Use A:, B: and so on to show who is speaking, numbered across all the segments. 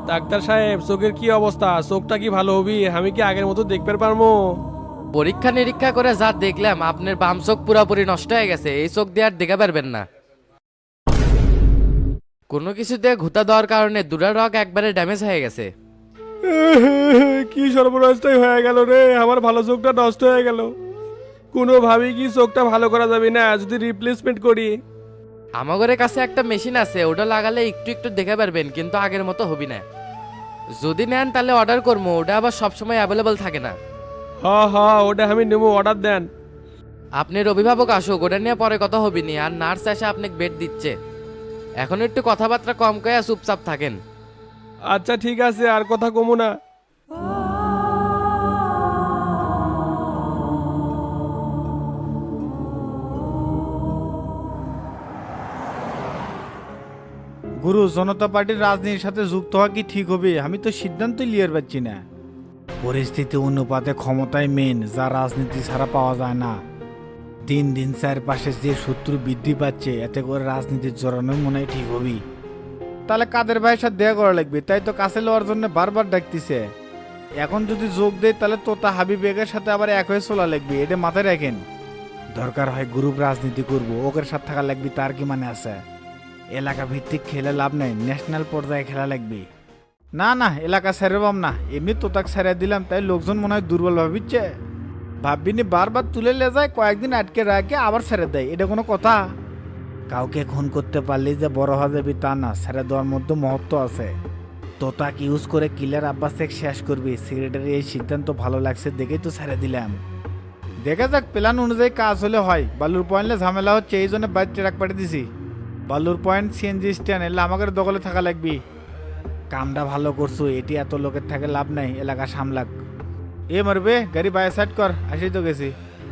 A: Doctor সাহেব চোখের কি অবস্থা? চোখটা কি ভালো হবি? আমি কি আগের মতো দেখতে পারবো?
B: পরীক্ষা নিরীক্ষা করে যা দেখলাম আপনার বাম চোখ পুরোপুরি নষ্ট হয়ে গেছে, এই চোখ দিয়ে আর দেখা পারবেন না। কোনো কিছু দিয়ে ঘুতা দেওয়ার কারণে দুটা রগ একবারে ড্যামেজ হয়ে গেছে।
A: কি সর্বনাশটাই হয়ে গেল রে, আমার ভালো চোখটা নষ্ট হয়ে গেল। কোনোভাবেই কি চোখটা ভালো করা যাবে না যদি রিপ্লেসমেন্ট করি?
B: আমাদের কাছে একটা মেশিন আছে, ওটা লাগালে একটু একটু দেখে পারবেন, কিন্তু আগের মতো হবি না। যদি নেন তাহলে অর্ডার করবো, ওটা আবার সবসময় অ্যাভেলেবল থাকে না।
A: হ্যাঁ হ্যাঁ, ওটা আমি নেবো, অর্ডার দেন।
B: আপনার অভিভাবক আসুক, ওটা নিয়ে পরে কথা হবিনি। আর নার্স এসে আপনাকে বেড দিচ্ছে। এখন একটু কথাবার্তা কম কয়ে চুপচাপ থাকেন।
A: আচ্ছা ঠিক আছে, আর কথা কমু না।
C: গুরু, জনতা পার্টির রাজনীতির সাথে যুক্ত হওয়া কি ঠিক হবে? আমি তো সিদ্ধান্তই লিয়ার পাচ্ছি না। পরিস্থিতি অনুপাতে ক্ষমতায় মেন, যা রাজনীতি ছাড়া পাওয়া যায় না। দিন দিন চারপাশে যে শত্রু বৃদ্ধি পাচ্ছে, এতে করে রাজনীতির জড়ানো মনে হয় ঠিক হবি। তাহলে কাদের ভাইয়ের সাথে দেখা করা লাগবে, তাই তো কাছে লওয়ার জন্য বারবার ডাকতেছে। এখন যদি যোগ দেয় তাহলে তোতা হাবিব বেগের সাথে আবার এক হয়ে চলা লাগবে, এটা মাথায় রাখেন। দরকার হয় গ্রুপ রাজনীতি করব, ওকের সাথে থাকা লাগবে, তার কি মানে আছে? এলাকা ভিত্তিক খেলে লাভ নাই, ন্যাশনাল পর্যায়ে খেলা লাগবে। না না, এলাকা ছেড়ে পাম না, এমনি তো তাক ছেড়ে দিলাম, তাই লোকজন মনে হয় দুর্বল ভাবিচ্ছে। ভাববিনি বারবার তুলে লে যায়, কয়েকদিন আটকে রাখে আবার ছেড়ে দেয়, এটা কোনো কথা? কাউকে খুন করতে পারলেই যে বড় হওয়া যাবে তা না, ছেড়ে দেওয়ার মধ্যে মহত্ব আছে। তোতাক ইউজ করে কিলার আব্বাস শেখ শেষ করবি, সেক্রেটারি এই সিদ্ধান্ত ভালো লাগছে দেখেই তো ছেড়ে দিলাম। দেখা যাক, প্ল্যান অনুযায়ী কাজ হলে হয়। বালুর পয়েন্টে ঝামেলা হচ্ছে, এই জন্য বাইরে ট্রাক পাঠিয়ে দিছি। বালুর পয়েন্ট সিএনজি স্ট্যান্ড, এলে আমাদের দখলে থাকা লাগবি। কামটা ভালো করছো, এটি এত লোকের থাকে লাভ নাই, এলাকা সামলাক। এ মারবে গাড়ি বাইরে সাইড কর, আসি তো গেছি।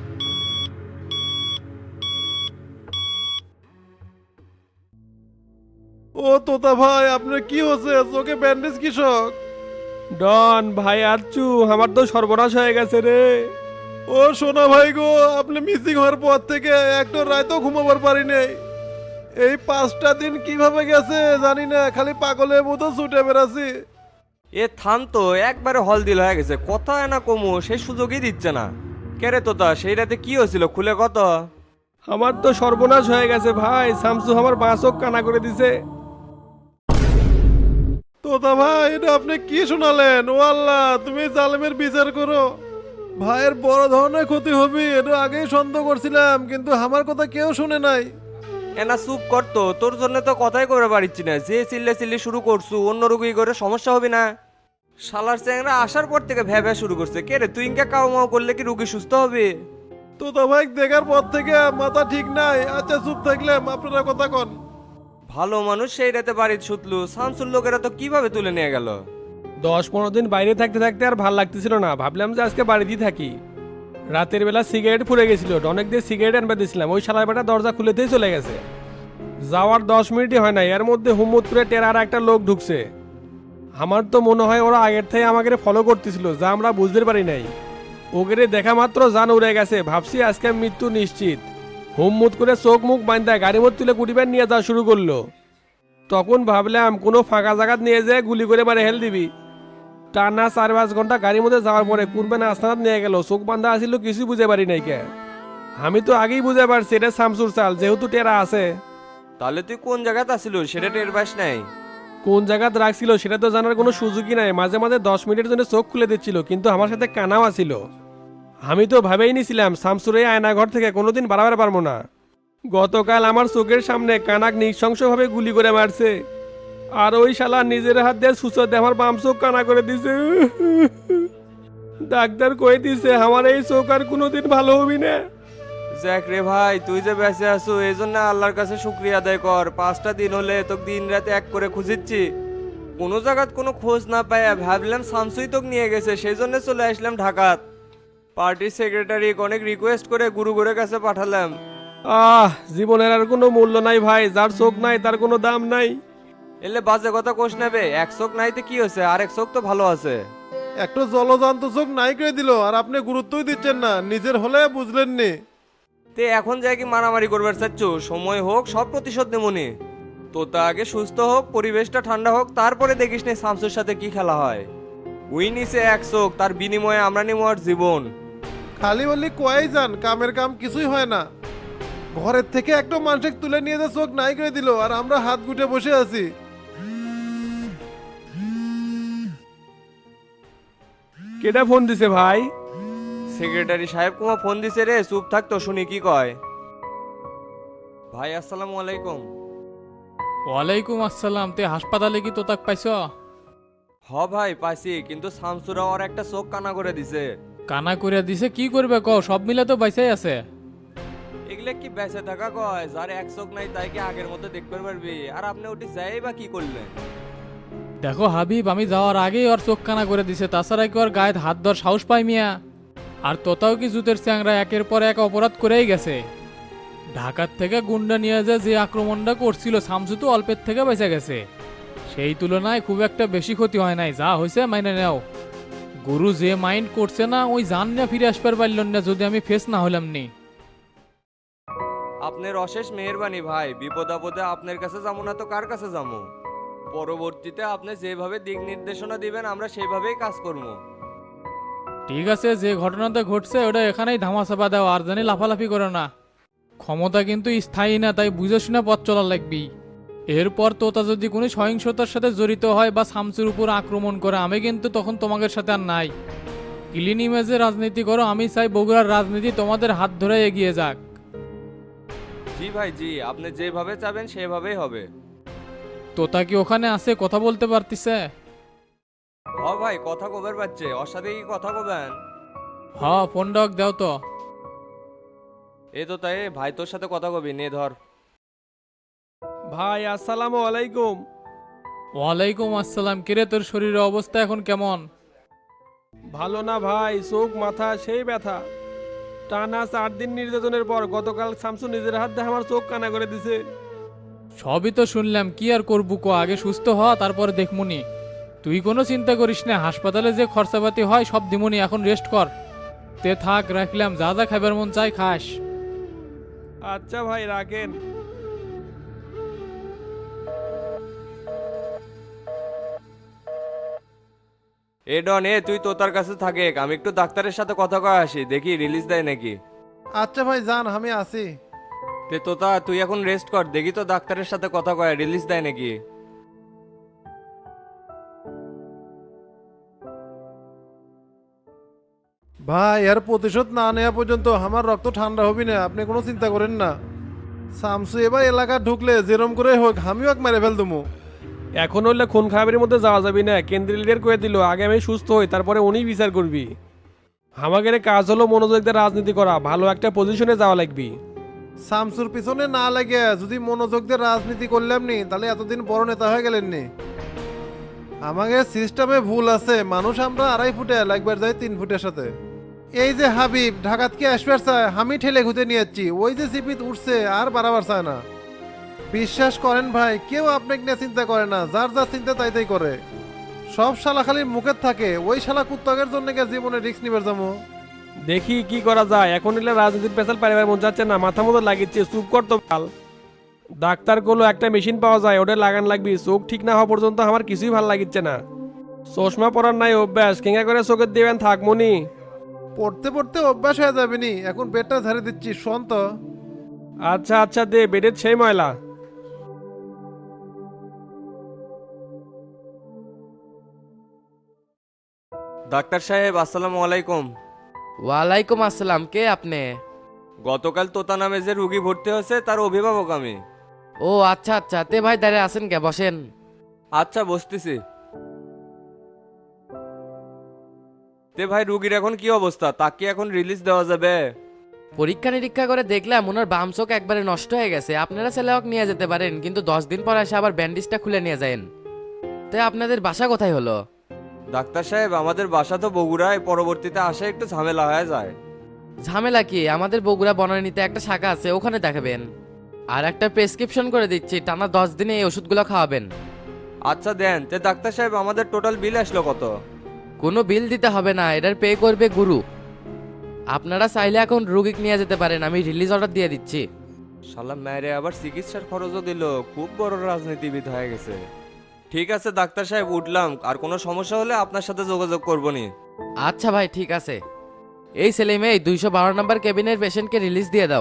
D: ও তোতা ভাই, আপনার কি হচ্ছে? চোখে ব্যান্ডেজ কৃষক?
A: ডন ভাই আচ্ছু, আমার তো সর্বনাশ হয়ে গেছে রে।
D: ও সোনা ভাই গো, আপনি মিসিং হওয়ার পর থেকে একটা রাতও ঘুমাবার পারি নাই। এই 5টা দিন কিভাবে গেছে জানি না, খালি পাগলের মতো ছুটে বেড়াচ্ছি।
E: এ থাম তো, একবারে হল দিল হয়ে গেছে, কথা না কমু সেই সুযোগই দিচ্ছে না। কেরে তোতা, সেই রাতে কি হয়েছিল খুলে কত?
A: আমার তো সর্বনাশ হয়ে গেছে ভাই, শামসু আমার বাঁশক কানা করে দিছে।
D: তোতা ভাই, এটা আপনি কি শোনালেন? ও আল্লাহ, তুমি জালেমের বিচার করো। ভাইয়ের বড় ধরনের ক্ষতি হবে, এটা আগেই সন্দেহ করছিলাম, কিন্তু আমার কথা কেউ শুনে নাই।
E: এনা চুপ করতো, তোর জন্য তো কথাই করে পারিচ্ছি না। যে চিল্লে চিল্লি শুরু করছু, অন্য রুগী করে সমস্যা হবে না? শালার চ্যাংরা আসার পর থেকে ভ্যা শুরু করছে। কে রে তুই, ইনকা কাউ মাও করলে কি রুগী সুস্থ হবে?
D: তোতা ভাই দেখার পর থেকে মাথা ঠিক নাই। আচ্ছা চুপ থাকলাম, আপনারা কথা কন।
E: ভালো মানুষ সেই রাতে বাড়িতে শুতলু, শামসুর লোকেরা তো কিভাবে তুলে নিয়ে গেল?
A: 10-15 দিন বাইরে থাকতে থাকতে আর ভাল লাগতেছিল না, ভাবলাম যে আজকে বাড়িতেই থাকি। রাতের বেলা সিগারেট ফুরে গেছিল, অনেক দিয়ে সিগারেট আনবে দিয়েছিলাম, ওই শালার বেটা দরজা খুলেতেই চলে গেছে। যাওয়ার 10 মিনিটই হয় না, এর মধ্যে হুম্মত করে টেরার একটা লোক ঢুকছে। আমার তো মনে হয় ওরা আগের থেকে আমাকে ফলো করতেছিল, যা আমরা বুঝতে পারি নাই। ওগেরে দেখা মাত্র জান উড়ে গেছে, ভাবছি আজকে মৃত্যু নিশ্চিত। হুম্মত করে চোখ মুখ বান্ধা গাড়ি মধ্যে তুলে কুটিবার নিয়ে যাওয়া শুরু করলো। তখন ভাবলাম কোনো ফাঁকা জায়গাত নিয়ে যেয়ে গুলি করে মারে হেল দিবি। টানা 4-5 ঘন্টা গাড়ির মধ্যে যাওয়ার পরে কুরবান আস্তানাত নিয়ে গেল, চোখ বান্ধা আসিল, কিছু বুঝে পারি নাই কে। আমি তো আগেই বুঝে পারছি এটা শামসুর চাল, যেহেতু টেরা আছে।
E: তাহলে তুই কোন জায়গাতে আসিল সেটা টের পাস নাই?
A: কোন জায়গাত রাখছিল সেটা তো জানার কোনো সুযোগই নাই, মাঝে মাঝে 10 মিনিটের জন্য চোখ খুলে দিচ্ছিল, কিন্তু আমার সাথে কানাও আছিল। আমি তো ভাবেই নিছিলাম শামসুর এই আয়নাঘর থেকে কোনোদিন বাড়াবার পারবো না। গতকাল আমার চোখের সামনে কানাক নৃশংসভাবে গুলি করে মারছে, আর ওই শালা নিজের হাত দিয়ে সুচর দিয়ে আমার বাম চোখ কানা করে দিছে। ডাক্তার কয়ে দিছে আমার এই চোখ আর কোনোদিন ভালো হবি না।
E: যাক রে ভাই, তুই যে বেঁচে আছো এই জন্য আল্লাহর কাছে শুক্রিয়া আদায় কর। 5টা দিন হলে তোকে দিন রাতে এক করে খুঁজিচ্ছি, কোনো জায়গাত কোনো খোঁজ না পাইয়া ভাবলাম শামসুই তোকে নিয়ে গেছে, সেই জন্য চলে আসলাম ঢাকাত। পার্টির সেক্রেটারি অনেক রিকোয়েস্ট করে গুরুগুরের কাছে পাঠালাম।
A: জীবনের আর কোনো মূল্য নাই ভাই, যার চোখ নাই তার কোনো দাম নাই।
E: এলে বাজে কথা কোষ নেবে, এক চোখ নাইতে কি হয়েছে, আরেক চোখ তো ভালো আছে।
D: একটা জলজান্ত চোখ নাই করে দিল, আর আপনি গুরুত্বই দিচ্ছেন না, নিজের হলে বুঝলেন নি।
E: তে এখন যাই কি মারামারি করবার চাচ্ছ? সময় হোক সব প্রতিশোধ নেমনি। তোতা আগে সুস্থ হোক, পরিবেশটা ঠান্ডা হোক, তারপরে দেখিস নে শামসুর সাথে কি খেলা হয়। উই নিছে এক চোখ, তার বিনিময়ে আমরা নিব ওর জীবন।
D: খালি বললি কয়াই যান, কামের কাম কিছুই হয় না। ঘরের থেকে একটা মানুষকে তুলে নিয়ে যে চোখ নাই করে দিল, আর আমরা হাত গুটে বসে আছি।
A: কেটা ফোন দিছে ভাই?
E: সেক্রেটারি সাহেব কুমা ফোন দিছে রে, চুপ থাকতো শুনি কি কয়। ভাই আসসালামু আলাইকুম।
F: ওয়ালাইকুম আসসালাম। তে হাসপাতালে কি তোতাক পাইছ?
E: হ ভাই পাইছি, কিন্তু শামসুরা ওর একটা চোখ কানা করে দিছে।
F: কানা করিয়া দিছে, কি করবে ক? সব মিলে তো বাইসাই আছে।
E: এগুলা কি বেঁচে থাকা কয়? যার এক চোখ নাই তাই কি আগের মতো দেখতে পারবি? আর আপনি ওটি যাই বা কি করলেন?
F: দেখো হাবিব, আমি যাওয়ার আগেই ওর চোখ কানা করে দিছে, তাছাড়া কি ওর গায়ে হাত ধর সাহস পাই মিয়া? আর তোতাও কি জুতের চ্যাংরা একের পর এক অপরাধ করেই গেছে। ঢাকার থেকে গুন্ডা নিয়ে যে আক্রমণটা করছিল, শামসু তো অল্পের থেকে বেঁচে গেছে। সেই তুলনায় খুব একটা বেশি ক্ষতি হয় নাই, যা হয়েছে মাইনে নেও। গুরু যে মাইন্ড করছে না, ওই জান না ফিরে আসবার পারল না যদি আমি ফেস না হলাম নি।
E: আপনার অশেষ মেহেরবানি ভাই, বিপদ আপদে আপনার কাছে যাবো না তো কার কাছে যাবো? পরবর্তীতে আপনি যেভাবে দিক নির্দেশনা দিবেন আমরা সেইভাবেই কাজ করবো।
F: ঠিক আছে, যে ঘটনাটা ঘটছে ওটা এখানেই ধামাচাপা দাও, আর জানি লাফালাফি করো না। ক্ষমতা কিন্তু স্থায়ী না, তাই বুঝে শুনে পথ চলা লাগবি। এরপর তোতা যদি কোনো সহিংসতার সাথে জড়িত হয় বা শামসুর উপর আক্রমণ করে, আমি কিন্তু তখন তোমাদের সাথে আর নাই। ক্লিন ইমেজে রাজনীতি করো, আমি চাই বগুড়ার রাজনীতি তোমাদের হাত ধরে এগিয়ে যাক।
E: জি ভাই জি, আপনি যেভাবে চাবেন সেভাবেই হবে।
F: তোতা কি ওখানে আছে, কথা বলতে পারতিছে?
E: হ ভাই, কথা কবের পাচ্ছে, ওর সাথে কি কথা কবেন?
F: হ, ফোন ডক দাও তো।
E: এ তো তাই, ভাই তোর সাথে কথা কবি, নে ধর।
A: ভাই আসসালামু আলাইকুম।
F: ওয়ালাইকুম আসসালাম। কিরে, তোর শরীরের অবস্থা এখন কেমন?
A: ভালো না ভাই, চোখ মাথা সেই ব্যথা। টানা 4 দিন নির্যাতনের পর গতকাল শামসু নিজের হাত দিয়ে আমার চোখ কানা করে দিছে।
F: সবই তো শুনলাম, কি আর করবো ক? আগে সুস্থ হ, তারপরে দেখমুনি। তুই কোনো চিন্তা করিস না, হাসপাতালে যে খরচাপাতি হয় সব দিমুনি, এখন রেস্ট কর। তে থাক, রাখলাম। যা যা খাবার মন চাই খাস।
A: আচ্ছা ভাই, রাখেন।
E: এ ডন, এ তুই তোতার কাছে থাকে, আমি একটু ডাক্তারের সাথে কথা কয়ে আসি, দেখি রিলিজ দেয় নাকি।
D: আচ্ছা ভাই যান, আমি আছি।
E: তে তোতা তুই এখন রেস্ট কর, দেখি তো ডাক্তারের সাথে কথা কয়ে রিলিজ দেয় নাকি।
D: ভাই এর প্রতিশোধ না নেওয়া পর্যন্ত আমার রক্ত ঠান্ডা হবি না, আপনি কোনো চিন্তা করেন না। শামসু এবার এলাকা ঢুকলে যেরম করে হোক আমিও এক মেরে ফেল দেবো।
A: এখন হলে খুন খাবারের মধ্যে যাওয়া যাবে না, কেন্দ্রীয় লিডার করে দিল, আগে আমি সুস্থ হই তারপরে উনিই বিচার করবি। আমাদের কাজ হলো মনোযোগ দিয়ে রাজনীতি করা, ভালো একটা পজিশনে যাওয়া লাগবি।
D: শামসুর পিছনে না লাগে যদি মনোযোগ দিয়ে রাজনীতি করলাম নি, তাহলে এতদিন বড় নেতা হয়ে গেলেন নি। আমাদের সিস্টেমে ভুল আছে, মানুষ আমরা 2.5 ফুটে লাগবার যাই 3 ফুটের সাথে। এই যে হাবিব ঢাকাত কি আসবার চায়, আমি ঠেলে ঘুতে নিয়ে যাচ্ছি, ওই যে সিপিত উঠছে আর বাড়াবার চায় না। বিশ্বাস করেন ভাই, কেউ আপনাকে নিয়ে চিন্তা করে না, যার যার চিন্তা তাই তাই করে। সব শালা খালি মুখের থাকে, ওই শালা কুত্তকের জন্য জীবনে রিস্ক নিবার যাবো।
A: দেখি কি করা যায়, এখন এলে রাজনীতির পেশাল পারিবার মন যাচ্ছে না, মাথা মতো লাগিচ্ছে, চুপ কর তো কাল। ডাক্তার গুলো একটা মেশিন পাওয়া যায়, ওটা লাগান লাগবি, চোখ ঠিক না হওয়া পর্যন্ত আমার কিছুই ভাল লাগিচ্ছে না। চশমা পরার নাই অভ্যাস, কেঙ্গা করে চোখের দিবেন থাকমনি।
D: পড়তে পড়তে অভ্যাস হয়ে যাবে নি, এখন বেডটা ঝাড়ে দিচ্ছি, শোন তো।
A: আচ্ছা আচ্ছা, দে বেডের সেই ময়লা।
E: ডাক্তার সাহেব আসসালামু আলাইকুম।
B: ওয়ালাইকুম আসসালাম। কে আপনি?
E: গতকাল তোতা নামে যে রুগী ভর্তি হয়েছে তার অভিভাবক আমি।
B: ও আচ্ছা আচ্ছা, তে ভাই দাঁড়িয়ে আছেন কে? বসেন।
E: আচ্ছা বসতেছি। তে ভাই রুগীর এখন কি অবস্থা, তাকে এখন রিলিজ দেওয়া যাবে?
B: পরীক্ষা নিরীক্ষা করে দেখলাম ওনার বাম চোখ একবারে নষ্ট হয়ে গেছে। আপনারা ছেলেওক নিয়ে যেতে পারেন, কিন্তু 10 দিন পর এসে আবার ব্যান্ডেজটা খুলে নিয়ে যান। তে আপনাদের বাসা কোথায় হলো?
E: ডাক্তার সাহেব আমাদের বাসা তো বগুড়ায়, পরবর্তীতে আসে একটু ঝামেলা হয়ে যায়।
B: ঝামেলা কি? আমাদের বগুড়া বনানীতে একটা শাখা আছে, ওখানে দেখাবেন। আর একটা প্রেসক্রিপশন করে দিচ্ছি, টানা 10 দিনে এই ওষুধগুলো খাওয়াবেন।
E: আচ্ছা দেন। তে ডাক্তার সাহেব আমাদের টোটাল বিল আসলো কত?
B: কোনো বিল দিতে হবে না, এটার পে করবে গুরু। আপনারা চাইলে এখন রুগীকে নিয়ে যেতে পারেন, আমি রিলিজ অর্ডার দিয়ে দিচ্ছি।
E: শালা মেরে আবার চিকিৎসার খরচও দিল, খুব বড় রাজনীতিবিদ হয়ে গেছে। ঠিক আছে ডাক্তার সাহেব, উঠলাম। আর কোনো সমস্যা হলে আপনার সাথে যোগাযোগ করবো নি।
B: আচ্ছা ভাই ঠিক আছে। এই ছেলে মেয়ে 212 নম্বর কেবিনের পেশেন্টকে রিলিজ দিয়ে দাও।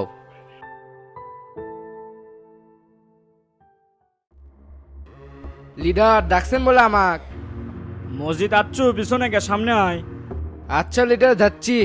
B: লিডার ডাকছেন বলে আমাক।
G: মসজিদ আচ্ছু পিছনে কে সামনে আয়।
B: আচ্ছা লিডার যাচ্ছি।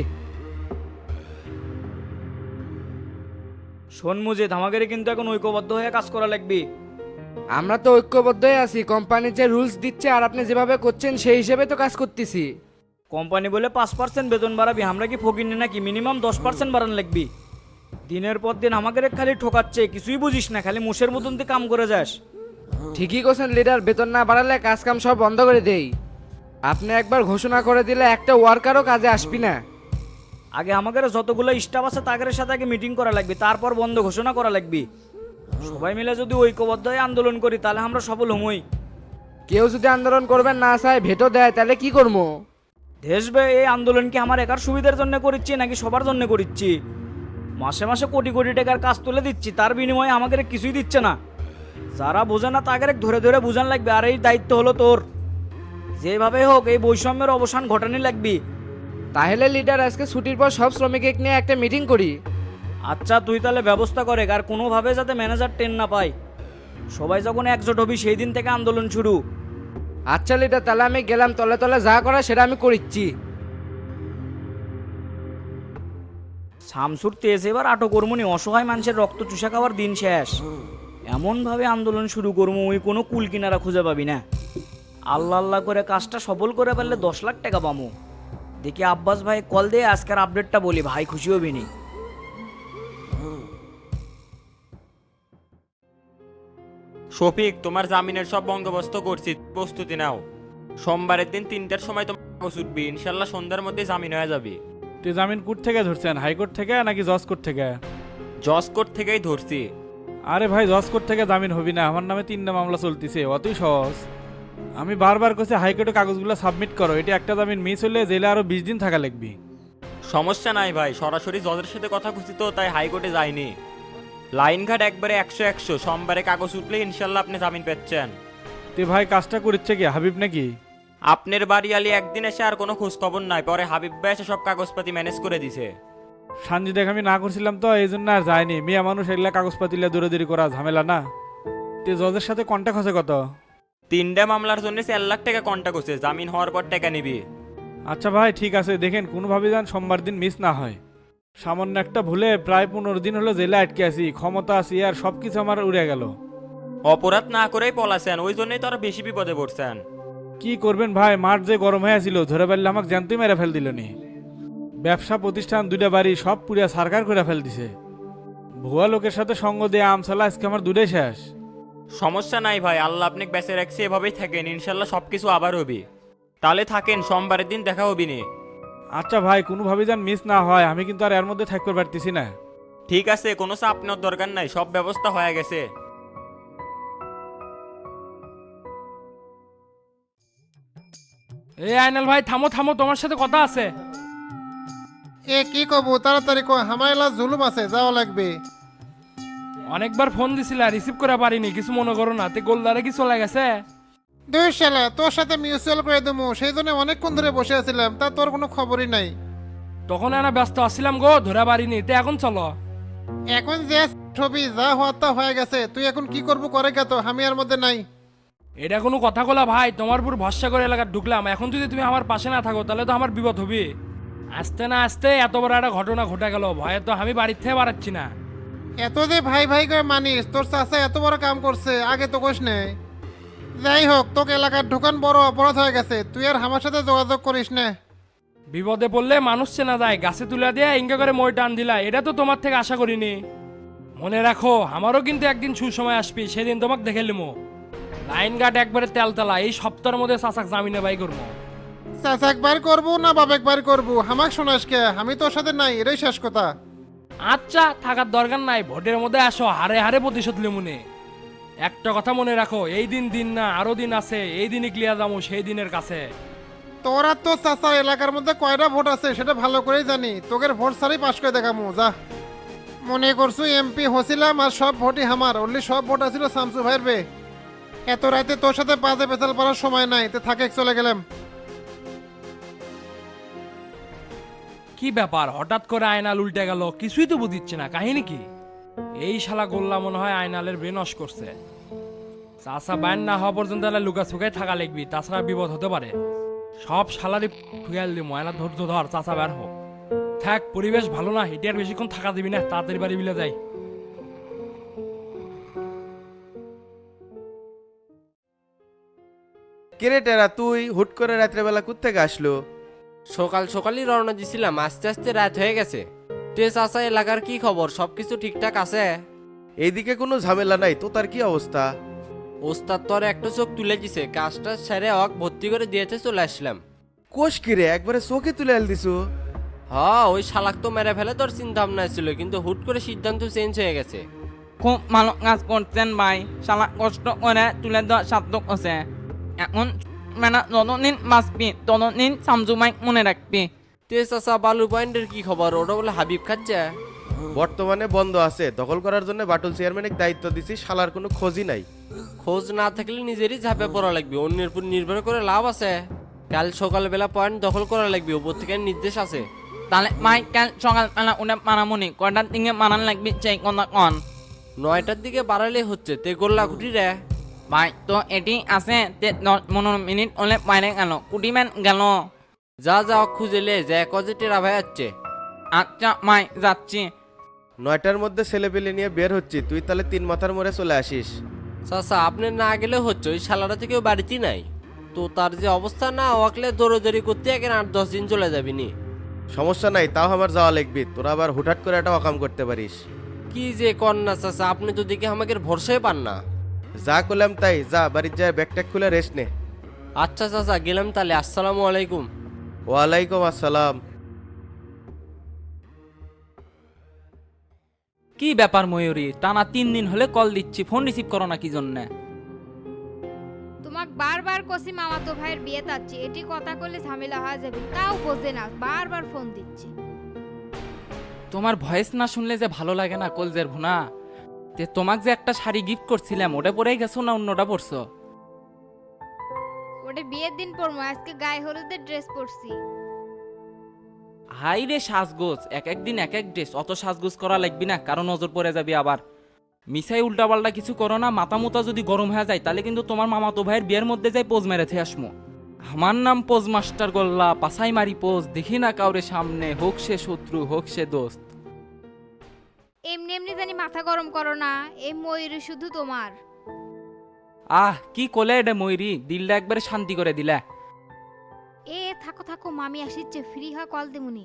G: শোন মসজিদ, আমাদের কিন্তু এখন ঐক্যবদ্ধ হয়ে কাজ করা লাগবে।
B: আমরা তো ঐক্যবদ্ধই আছি, কোম্পানি যে রুলস দিচ্ছে আর আপনি যেভাবে করছেন সেই হিসেবে তো কাজ করতেছি।
G: কোম্পানি বলে 5% বেতন বাড়াবি, আমরা কি ফকিনি নাকি? মিনিমাম 10% বাড়ান লাগবি। দিনের পর দিন আমাদের খালি ঠকাচ্ছে, কিছুই বুঝিস না, খালি মুশের মতন তুই কাম করে যাস।
B: ঠিকই করছেন লিডার, বেতন না বাড়ালে কাজ কাম সব বন্ধ করে দেই। আপনি একবার ঘোষণা করে দিলে একটা ওয়ার্কারও কাজে আসবি না।
G: আগে আমাদের যতগুলো স্টাফ আছে তাদের সাথে আগে মিটিং করা লাগবে, তারপর বন্ধ ঘোষণা করা লাগবে। সবাই মিলে যদি ঐক্যবদ্ধ হয়ে আন্দোলন করি তাহলে আমরা সফল হমই।
B: কেউ যদি আন্দোলন করবেন না চায়, ভেটো দেয়, তাহলে কি করবো?
G: দেশবে এই আন্দোলন কি আমার একার সুবিধার জন্য করিচ্ছি নাকি সবার জন্য করিচ্ছি? মাসে মাসে কোটি কোটি টাকার কাজ তুলে দিচ্ছি, তার বিনিময়ে আমাদের কিছুই দিচ্ছে না। যারা বোঝে না তাদের ধরে ধরে বুঝান লাগবে, আর এই দায়িত্ব হলো তোর। যেভাবে হোক এই বৈষম্যের অবসান ঘটানি লাগবি।
B: তাহলে লিডার আজকে ছুটির পর সব শ্রমিক নিয়ে একটা মিটিং করি।
G: আচ্ছা তুই তাহলে ব্যবস্থা করে, আর কোনোভাবে যাতে ম্যানেজার টেন না পায়। সবাই যখন একজোট হবি সেই দিন থেকে আন্দোলন শুরু।
B: আচ্ছা লিডার, তাহলে আমি গেলাম, তলে তলে যা করা সেটা আমি করিচ্ছি।
G: শামসুর তেজ এবার আটো কর্মনি, অসহায় মানুষের রক্ত চুষা খাওয়ার দিন শেষ। এমনভাবে আন্দোলন শুরু করবো ওই কোনো কুল কিনারা খুঁজে পাবি না। আল্লাহ আল্লাহ করে কাজটা সফল করে ফেললে 10 লাখ টাকা পামু। দেখি আব্বাস ভাই কল দিয়ে আজকের আপডেটটা বলি, ভাই খুশি হবি নি।
H: শফিক, তোমার জামিনের সব বন্দোবস্ত করছি, প্রস্তুতি নাও। সোমবারের দিন 3টার সময় তোমার কাগজ উঠবি, ইনশাল্লাহ সন্ধ্যার মধ্যে জামিন হয়ে যাবে।
F: তে জামিন কোর্ট থেকে ধরছেন, হাইকোর্ট থেকে নাকি জজ কোর্ট থেকে?
H: জজ কোর্ট থেকেই ধরছি।
F: আরে ভাই, জজ কোর্ট থেকে জামিন হবি না, আমার নামে 3টা মামলা চলতেছে, অতই সহজ। আমি বারবার কইছি হাইকোর্টে কাগজগুলো সাবমিট করো, এটা একটা জামিন মিস হলে জেলে আরো 20 দিন থাকা লাগবে।
H: সমস্যা নাই ভাই, সরাসরি জজের সাথে কথা খুঁজছি তো, তাই হাইকোর্টে যাইনি। লাইনঘাট একবারে 100-100, সোমবারে কাগজ উঠলে ইনশাল্লাহ আপনি জামিন পাচ্ছেন।
F: তে ভাই, কাজটা করিচ্ছে কি হাবিব নাকি?
H: আপনার বাড়ি আলি একদিন এসে আর কোনো খোঁজ খবর নাই, পরে হাবিব ভাই এসে সব কাগজপাতি ম্যানেজ করে দিছে।
F: সানজি দেখ আমি না করছিলাম তো এই জন্য আর যায়নি। মিয়া মানুষ এগুলা কাগজপাতিলে দৌড়াদৌড়ি করা ঝামেলা না। তে জজের সাথে কন্ট্যাক্ট হচ্ছে কত?
H: 3টা মামলার জন্য 4 লাখ টাকা কন্ট্যাক্ট হচ্ছে, জামিন হওয়ার পর টাকা নিবি।
F: আচ্ছা ভাই ঠিক আছে, দেখেন কোনোভাবে যেন সোমবার দিন মিস না হয়। সামান্য একটা ভুলে প্রায় 15 দিন হলো জেলে আটকে আছি, ক্ষমতা আছি আর সবকিছু আমার উড়ে গেল।
H: অপরাধ না করেই পলাছেন, ওই জন্যই তো আরো বেশি বিপদে পড়ছেন।
F: কি করবেন ভাই, মাঠ যে গরম হয়ে আছিল, ধরে পারলে আমাকে জ্যান্তই মেরে ফেল দিল নি। ব্যবসা প্রতিষ্ঠান 2টা বাড়ি সব পুরিয়া সারকার করে ফেল দিছে। ভুয়া লোকের সাথে সঙ্গ দিয়ে আমসালা আজকে আমার 2টাই শেষ।
H: সমস্যা নাই ভাই, আল্লাহ আপনাকে বেঁচে রাখছে, এভাবেই থাকেন, ইনশাল্লাহ সবকিছু আবার হবে। তাহলে থাকেন, সোমবারের দিন দেখা হবি নি।
F: আচ্ছা ভাই, কোনোভাবে যেন মিস না হয়, আমি কিন্তু আর এর মধ্যে থাকতে পারতেছি না।
H: ঠিক আছে, কোনো চাপ নেওয়ার দরকার নাই, সব ব্যবস্থা হয়ে গেছে।
A: এই আইনাল ভাই থামো থামো, তোমার সাথে কথা আছে।
D: এ কি কব, তাড়াতাড়ি কো, আমার এলা জুলুম আছে, যাওয়া লাগবে।
A: অনেকবার ফোন দিছিলা, রিসিভ করে পারিনি, কিছু মনে করো না। তে গোলদারে কি চলে গেছে?
D: দুই শালা, তোর সাথে মিউচুয়াল করে দেবো সেই জন্য অনেকক্ষণ ধরে বসে আছিলাম, তা তোর কোনো খবরই নাই।
A: তখন এনা ব্যস্ত আসছিলাম গো, ধরে পারিনি। তে এখন চলো।
D: এখন যে ছবি যা হওয়ার তা হয়ে গেছে, তুই এখন কি করবো করে গেত, আমি আর মধ্যে নাই।
A: এটা কোনো কথা কলা ভাই, তোমার উপর ভরসা করে এলাকা ঢুকলাম, এখন যদি তুমি আমার পাশে না থাকো তাহলে তো আমার বিপদ হবে। আসতে না আসতে এত বড় একটা ঘটনা ঘটে গেল, ভয়ে তো আমি বাড়ির থেকে বাড়াচ্ছি না।
D: এত যে ভাই ভাই করে মানিস, তোর চাচা এত বড় কাম করছে, আগে তো কোষ নেই। যাই হোক, তোকে এলাকার ঢোকান বড় অপরাধ হয়ে গেছে, তুই আর আমার সাথে যোগাযোগ করিস না।
A: বিপদে পড়লে মানুষ চেনা যায়, গাছে তুলে দিয়ে ইঙ্গা করে মই টান দিলা, এটা তো তোমার থেকে আশা করিনি। মনে রাখো, আমারও কিন্তু একদিন সুসময় আসবি, সেদিন তোমাকে দেখে লিমো। লাইন গার্ড একবারে তেলতেলা, এই সপ্তাহের মধ্যে চাচাক জামিনে বাই করবো।
D: চাচাক বার করবো না বাবেক বার করবো, আমাক শোনাস কে, আমি তোর সাথে নাই, এটাই শেষ কথা।
A: আচ্ছা থাকার দরকার নাই, ভোটের মধ্যে আসো, হারে হারে প্রতিশোধ লিমুনে। একটা কথা মনে রাখো, এই দিন দিন না, আরো দিন আছে, এই দিনই ক্লিয়ার যাবো সেই দিনের কাছে।
D: তোর আর তোর চাচার এলাকার মধ্যে কয়টা ভোট আছে সেটা ভালো করেই জানি, তোকে ভোট ছাড়াই পাশ করে দেখামু, যা। মনে করছো এমপি হছিলাম আর সব ভোটই আমার, অনলি সব ভোট আছিল শামসু ভাইয়ের বে। এত রাতে তোর সাথে বাজে পেছাল পারার সময় নাই, তে থাকে চলে গেলাম।
I: কি ব্যাপার, হঠাৎ করে আয়নাল উল্টে গেল? কিছুই তো বুঝিচ্ছে না, কাহিনী কি? এই শালা গোল্লা মনে হয় আয়নালের ব্রেন ওয়াশ করছে। চাষা বাইন না হওয়া পর্যন্ত লুকা ছুকায় থাকা লিখবি, তাছাড়া বিপদ হতে পারে। সব শালারই ফুয়াল দি ময়না, ধৈর্য ধর, চাষা বের হোক। থাক, পরিবেশ ভালো না, এটি আর বেশিক্ষণ থাকা দিবি না, তাড়াতাড়ি বাড়ি বিলে যাই।
J: কিরে টেরা, তুই হুট করে রাত্রেবেলা কোত্থেকে আসলো?
B: সকাল সকালই রওনা দিছিলাম, আস্তে আস্তে রাত হয়ে গেছে। তে চাচা, এলাকার কি খবর? সবকিছু ঠিকঠাক আছে?
J: এইদিকে কোনো ঝামেলা নাই, তো তার কি অবস্থা?
B: ওস্তাদ তো আর একটা চোখ তুলে দিছে, কাজটা সেরে অক ভর্তি করে দিয়েছে, চলে আসলাম।
J: কোষ কিরে, একবারে চোখে তুলে আল দিছু?
B: হ্যাঁ, ওই শালাক তো মেরে ফেলে তোর চিন্তা ভাবনা ছিল, কিন্তু হুট করে সিদ্ধান্ত চেঞ্জ হয়ে গেছে।
G: খুব ভালো কাজ করছেন ভাই, শালা কষ্ট করে তুলে দেওয়া সার্থক আছে। এখন মানে যতদিন বাঁচবি ততদিন শামসু ভাই মনে রাখবি।
B: তে চাচা, বালু পয়েন্টের কি খবর? ওটা বলে হাবিব খাচ্ছে।
J: বর্তমানে বন্ধ আছে, দখল করার জন্য বাটুল চেয়ারম্যানের দায়িত্ব দিছি, শালার কোনো খোঁজই নাই।
B: খোঁজ না থাকলে নিজেরই ঝাঁপে পড়া লাগবে, অন্যের উপর নির্ভর করে লাভ আছে। কাল সকালবেলা পয়েন্ট দখল করা লাগবে, উপর থেকে নির্দেশ আছে।
G: তাহলে ভাই কাল সকালবেলা উঠে মারামনি কয়টার দিকে মারান লাগবে সেই কথা কন।
B: 9টার দিকে বাড়ালে হচ্ছে, তে গোল্লা কুটি রে।
G: ভাই তো এটি আছে 15 মিনিট হলে বাইরে গেল, কুটিম্যান গেল।
B: যা যা খুঁজেলে যে কজে টেরা ভাই যাচ্ছে।
G: আচ্ছা ভাই যাচ্ছি।
J: 9টার মধ্যে ছেলে পেলে নিয়ে বের হচ্ছি, তুই তাহলে 3 মাথার মোড়ে চলে আসিস।
B: চাচা, আপনি না গেলে হচ্ছে, ওই শালারা থেকেও বাড়িতে নাই। তো তার যে অবস্থা না, ওয়াকলে দৌড়ি করতে এখন 8-10 দিন চলে যাবিনি।
J: সমস্যা নাই, তাও আমার যাওয়া লাগবি, তোরা আবার হুটহাট করে একটা অকাম করতে পারিস।
B: কি যে কর না চাচা, আপনি তো দেখে আমাকে ভরসাই পান না।
J: যা করলাম তাই, যা বাড়ির যায় ব্যাগ ট্যাগ খুলে রেস্ট নে।
B: আচ্ছা চাচা, গেলাম তাহলে। আসসালামু আলাইকুম।
J: ওয়ালাইকুম আসসালাম।
G: কি ব্যাপার ময়ূরী, টানা 3 দিন হলে কল দিচ্ছি, ফোন রিসিভ করো না কি জন্য?
K: তোমাক বারবার কষি মামাতো ভাইয়ের বিয়ে তাচ্ছি, এটি কথা করলে ঝামেলা হয়ে যাবে, তাও বোঝে না, বারবার ফোন দিচ্ছি।
G: তোমার ভয়েস না শুনলে যে ভালো লাগে না কলজের ভুনা। তে তোমাক যে একটা শাড়ি গিফট করছিলাম, ওটা পরেই গেছো না অন্যটা পরছো?
K: ওটা বিয়ের দিন পরবো, আজকে গায়ে হলুদের ড্রেস পরছি।
G: হাই রে সাজগোজ, এক একদিন এক এক ড্রেস, অত সাজগোজ করা লাগবি না, কারণ নজর পড়ে যাবি আবার। মিসাই উল্টাপাল্টা কিছু করো না, মাথা মুতা যদি গরম হয়ে যায় তাহলে কিন্তু তোমার মামাতো ভাইয়ের বিয়ের মধ্যে যাই পোজ মেরে থে আসমো। আমার নাম পোজ মাস্টার গোল্লা, পাছাই মারি পোজ, দেখি না কাউরে সামনে, হোক সে শত্রু হোক সে দোস্ত।
K: এমনি এমনি জানি মাথা গরম করো না, এই ময়ূরী শুধু তোমার।
G: আহ কি কোলে এটা ময়ূরী, দিলটা একবারে শান্তি করে দিলা।
K: এ থাকো থাকো, মামি আসিচ্ছে, ফ্রি হয় কল দেমুনি।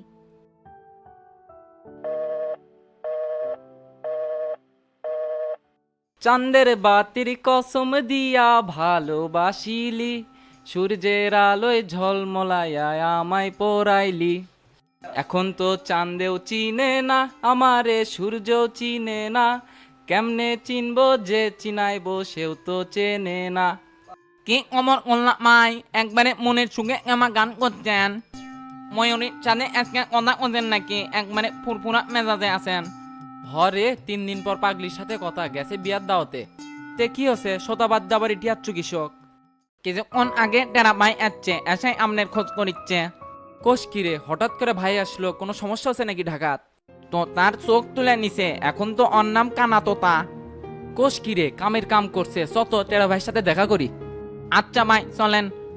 G: চাঁদের বাতির কসম দিয়া ভালোবাসিলি, সূর্যের আলোয় ঝলমলায়া আমায় পরাইলি। এখন তো চাঁদেও চিনে না আমারে, সূর্যও চিনে না, কেমনে চিনবো যে চিনাইবো সেও তো চেনে না। কি অমর কল্লা মাই, একবারে মনের সুখে আমার গান করছেন? ময়ূরীর সাথে আজকে কথা করছেন নাকি? একবারে ফুরফুরা মেজাজে আছেন? হরে 3 দিন পর পাগলির সাথে কথা, গেছে বিয়ার দাওয়াতে। তে কি হচ্ছে, শতাবাদ দাবার ইটিয়াচ্ছু কৃষক? কিছুক্ষণ আগে টেরা ভাই আসছে, এসে আমনের খোঁজ করিচ্ছে। কোষ কিরে, হঠাৎ করে ভাই আসলো, কোনো সমস্যা হচ্ছে নাকি ঢাকাত? তো তার চোখ তুলে নিছে, এখন তো ওর নাম কানা তোতা। কোষ কিরে, কামের কাম করছে, চত টেরা ভাইয়ের সাথে দেখা করি। আচ্ছা ভাই চলেন।